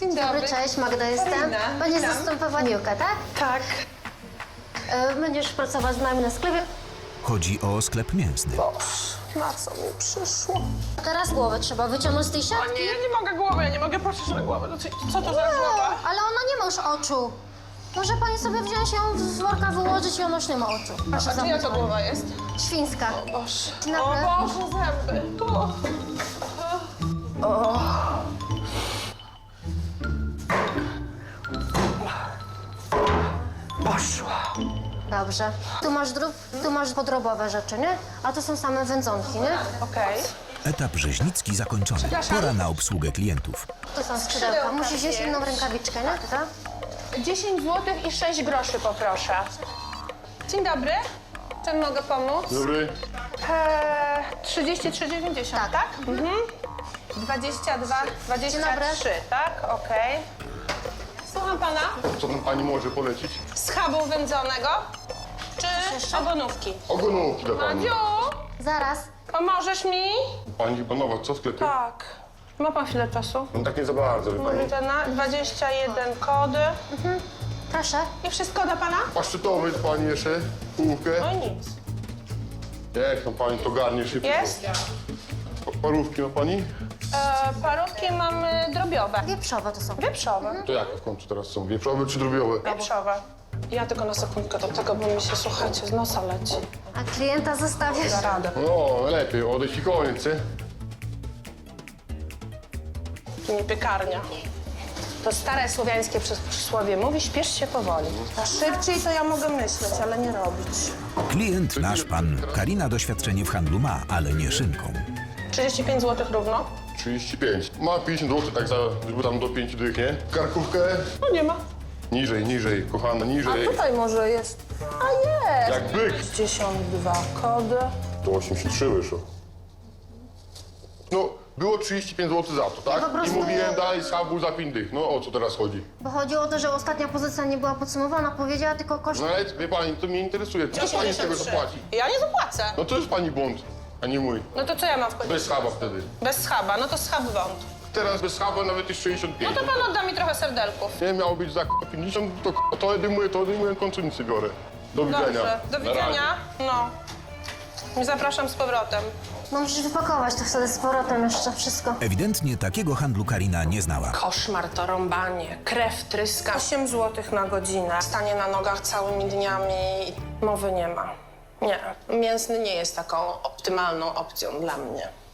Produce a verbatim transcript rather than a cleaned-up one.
Dzień dobry. Dobry, cześć, Magda jestem. Karina, Będziesz witam. zastępować Miłkę, tak? Tak. E, będziesz pracować z nami na sklepie. Chodzi o sklep mięsny. Na co mi przyszło? Teraz głowę trzeba wyciągnąć z tej O siatki. nie, ja nie mogę głowy, ja nie mogę patrzeć na głowę. No, co, co to za głowa? Ale ona nie ma już oczu. Może pani sobie wziąć ją z worka, wyłożyć i ona już nie ma oczu. Proszę A czyja zamknąć to pani. głowa jest? Świńska. Boże. Dzień O dobry. Boże, zęby. O. O. Poszła. Dobrze. Tu masz drób, tu masz podrobowe rzeczy, nie? A to są same wędzonki, nie? Okej. Etap rzeźnicki zakończony. Pora na obsługę klientów. Tu są skrzydełka. Skrzydełka Musisz wziąć pięć. inną rękawiczkę, nie? Tak? dziesięć złotych i sześć groszy poproszę. Dzień dobry. Czym mogę pomóc? Dobry. Eee, trzydzieści trzy dziewięćdziesiąt, tak? Tak. Mhm. dwadzieścia dwa, dwadzieścia dobry. trzy, tak? Okej. Słucham pana. Co tam pani może polecić? Schabu wędzonego czy ogonówki? Ogonówki dla pani. Madziu, Zaraz. pomożesz mi? Pani chyba nowa, co w sklepie? Tak. Ma pan chwilę czasu? No tak nie za bardzo, wie pani. Mówię na dwadzieścia jeden kody. Proszę. I wszystko da pana? Paszczytowy pani jeszcze, połówkę. No i nic. Jak tam pani to garnie szybko? Jest? Pa- Parówki ma pani? E, parówki mamy drobiowe. Wieprzowe to są. Wieprzowe. To jakie w końcu teraz są? Wieprzowe czy drobiowe? Wieprzowe. Ja tylko na sekundkę do tego, bo mi się, słuchajcie, z nosa leci. A klienta zostawiasz? Da radę. No, lepiej, odejść i koniec, nie? Nie piekarnia. To stare słowiańskie przys- przysłowie mówi, śpiesz się powoli. A szybciej to ja mogę myśleć, ale nie robić. Klient nasz pan. Karina doświadczenie w handlu ma, ale nie szynką. trzydzieści pięć złotych równo? trzydzieści pięć. Ma pięćdziesiąt złotych, tak za, żeby tam do pięciu dych, nie? Karkówkę? No nie ma. Niżej, niżej, kochana, niżej. Tutaj może jest. A jest! Jak byk. sześćdziesiąt dwa kody. To osiemdziesiąt trzy wyszło. No, było trzydzieści pięć złotych za to, tak? po prostu- I mówiłem dalej schabu za pięć dych. No o co teraz chodzi? Bo chodziło o to, że ostatnia pozycja nie była podsumowana, powiedziała tylko koszt. No ale wie pani, to mnie interesuje. Co pani z tego zapłaci? Ja nie zapłacę. No to jest pani błąd, a nie mój. No to co ja mam w końcu? Bez schaba wtedy. Bez schaba, no to schab wąt. Teraz bez schaba nawet jest sześćdziesiąt No pięć. to pan odda mi trochę serdelków. Nie miało być za pięćdziesiąt, to to odejmuję, to odejmuję, w końcu nic nie biorę. Do widzenia. Dobrze, do Na razie. widzenia. No. I zapraszam z powrotem. No musisz wypakować to wtedy z powrotem jeszcze wszystko. Ewidentnie takiego handlu Karina nie znała. Koszmar to rąbanie, krew tryska. osiem złotych na godzinę. Stanie na nogach całymi dniami. Mowy nie ma. Nie, mięsny nie jest taką optymalną opcją dla mnie.